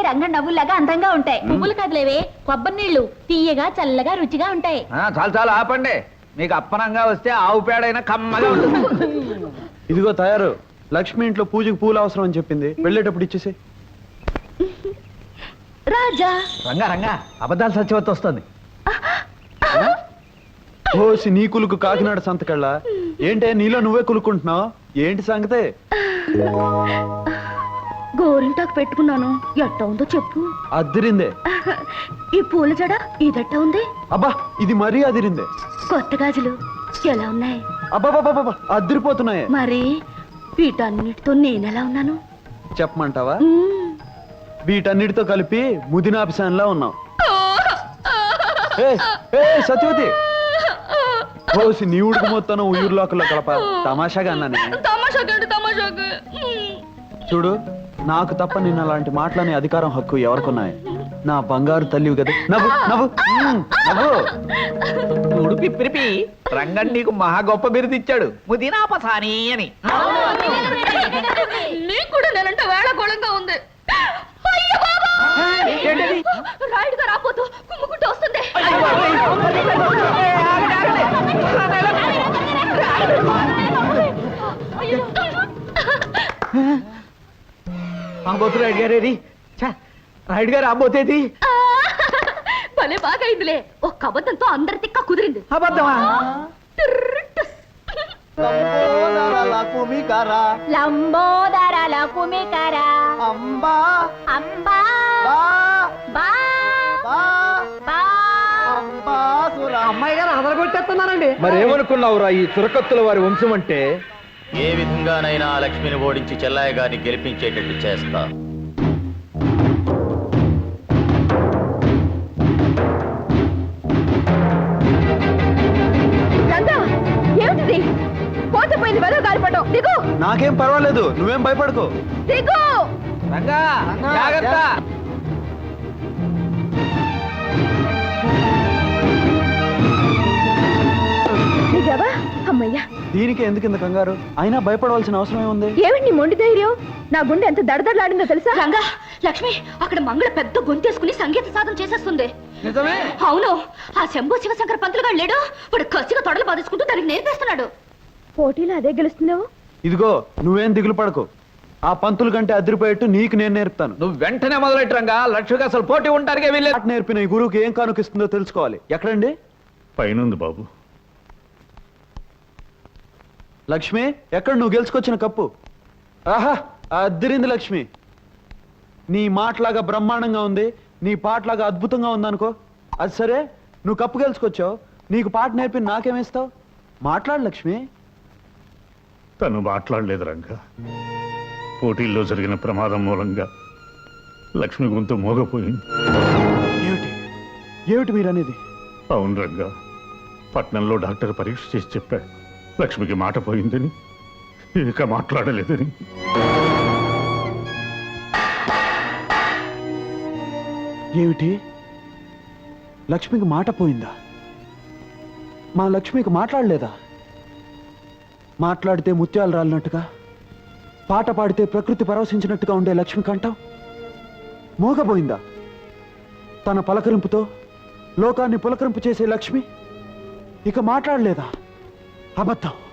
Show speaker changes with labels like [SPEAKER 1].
[SPEAKER 1] రంగ నవ్వులాగా అందంగా ఉంటాయి. పువ్వులు కదలేవే, కొబ్బరి నీళ్లు తీయగా చల్లగా రుచిగా ఉంటాయి.
[SPEAKER 2] చాలు చాలు ఆపండి. మీకు అప్పనంగా వస్తే ఆవు పేడైనా కమ్మగా ఉంటుంది.
[SPEAKER 3] ఇదిగో తయారు. లక్ష్మి ఇంట్లో పూజకి పూలు అవసరం అని చెప్పింది, వెళ్ళేటప్పుడు ఇచ్చేసి.
[SPEAKER 1] రాజా
[SPEAKER 2] రంగా రంగా అబద్ధాలు సత్యవతి వస్తుంది.
[SPEAKER 3] ఓసి నీ కులుకు కాకినాడ సంతకళ్ళ ఏంటే నీలో నువ్వే కులుకుంటున్నావు? ఏంటి సంగతే?
[SPEAKER 1] గోరింటాకు పెట్టుకున్నాను, ఎట్ట ఉందో చెప్పు.
[SPEAKER 3] అదిరిందే.
[SPEAKER 1] ఈ పూల జడ ఇదట్ట ఉంది.
[SPEAKER 3] అబ్బా ఇది మరీ అదిరిందే.
[SPEAKER 1] కొత్త గాజులు ఎలా ఉన్నాయి?
[SPEAKER 3] అబ్బాబాబా అదిరిపోతున్నాయే.
[SPEAKER 1] మరి వీటన్నిటితో నేనెలా ఉన్నాను
[SPEAKER 3] చెప్పమంటావా? వీటన్నిటితో కలిపి ముదినాపిసాన్లా ఉన్నావు. సత్యవతి ఓసి నీ ఉడుకు మొత్తం ఉయ్యూరులోకల్లో కలప తమాషాగా అన్నానే. చూడు, నాకు తప్ప నిన్న అలాంటి మాటలనే అధికారం హక్కు ఎవరికున్నాయి? నా బంగారు తల్లివి కదా. నవ్వు నవ్వు నవ్వు.
[SPEAKER 2] చూడు పిప్పిరిపి, రంగన్ నీకు మహా గొప్ప బిరుదు ఇచ్చాడు, ముదినాపసాని అని.
[SPEAKER 1] నీకు కూడా నేనంటే వేళకోళంగా ఉంది. రాయుడుగా రాపోతూ కుమ్ముకుంటూ వస్తుంది.
[SPEAKER 2] రాబోతు రాయుడు గారేది, రాయుడు గారు రాబోతేది.
[SPEAKER 1] భలే బాగా అయిందిలే. ఒక్క అబద్ధంతో అందరి తిక్క కుదిరింది.
[SPEAKER 2] అబద్ధమా?
[SPEAKER 1] లంబోదర కుమికర
[SPEAKER 3] అంబా
[SPEAKER 1] అంబా బా
[SPEAKER 2] అమ్మాయి గారు అదరగొట్టేస్తున్నారండి.
[SPEAKER 3] మరేమనుకున్నావురా ఈ చురకత్తుల వారి వంశం అంటే?
[SPEAKER 4] ఏ విధంగానైనా లక్ష్మిని ఓడించి చెల్లాయి గారిని గెలిపించేటట్టు చేస్తా.
[SPEAKER 1] ఏమిటిది? పోతపోయింది వెదవ గాలిపటం. దిగు.
[SPEAKER 3] నాకేం పర్వాలేదు, నువ్వేం భయపడకు.
[SPEAKER 1] దిగు.
[SPEAKER 2] రంగా జాగ్రత్త.
[SPEAKER 1] దిగావా? అమ్మయ్యా.
[SPEAKER 3] దీనికి ఎందుకు ఇంత కంగారు? అయినా భయపడవలసిన అవసరం ఏముంది?
[SPEAKER 1] ఏమిటి నీ మొండి ధైర్యం? నా గుండె ఎంత దడదడలాడిందో తెలుసా? రంగా, లక్ష్మి అక్కడ మంగళ పెద్ద గొంతేసుకుని సంగీత సాధన చేసేస్తుంది.
[SPEAKER 2] నిజమే?
[SPEAKER 1] అవును. ఆ శంభు శివశంకర పంతులు గారు లేడు, వాడు కసిగా తొడలు బాధేసుకుంటూ దానికి నేర్పేస్తున్నాడు. పోటీలో అదే గెలుస్తుందేమో.
[SPEAKER 3] ఇదిగో నువ్వేం దిగులు పడకు. ఆ పంతులు కంటే అదిరిపోయేట్టు నీకు నేను నేర్పుతాను.
[SPEAKER 2] నువ్వు వెంటనే మొదలెట్టు రంగా. లక్ష్మికి అసలు పోటీ ఉంటారుగా వీళ్ళే.
[SPEAKER 3] నేర్పిన ఈ గురువుకి ఏం కానుకిస్తుందో తెలుసుకోవాలి. ఎక్కడండి?
[SPEAKER 5] పైనుంది బాబు.
[SPEAKER 3] లక్ష్మి, ఎక్కడ నువ్వు గెలుచుకొచ్చిన కప్పు? ఆహా అదిరింది లక్ష్మి. నీ మాటలాగా బ్రహ్మాండంగా ఉంది, నీ పాటలాగా అద్భుతంగా ఉందనుకో. అది సరే, నువ్వు కప్పు గెలుచుకొచ్చావు, నీకు పాట నేర్పి నాకేమిస్తావు? మాట్లాడు లక్ష్మి.
[SPEAKER 5] తను మాట్లాడలేదు రంగా. పోటీల్లో జరిగిన ప్రమాదం మూలంగా లక్ష్మి గొంతు మోగపోయింది.
[SPEAKER 3] ఏమిటి ఏమిటి మీరనేది?
[SPEAKER 5] అవును రంగా, పట్నంలో డాక్టర్ పరీక్ష చేసి చెప్పాడు లక్ష్మికి మాట పోయిందని, ఇక మాట్లాడలేదని.
[SPEAKER 3] ఏమిటి? లక్ష్మికి మాట పోయిందా? మా లక్ష్మికి మాట్లాడలేదా? మాట్లాడితే ముత్యాలు రాలినట్టుగా, పాట పాడితే ప్రకృతి పరవశించినట్టుగా ఉండే లక్ష్మి కంఠం మోగబోయిందా? తన పలకరింపుతో లోకాన్ని పులకరింపు చేసే లక్ష్మి ఇక మాట్లాడలేదా? అబద్ధం.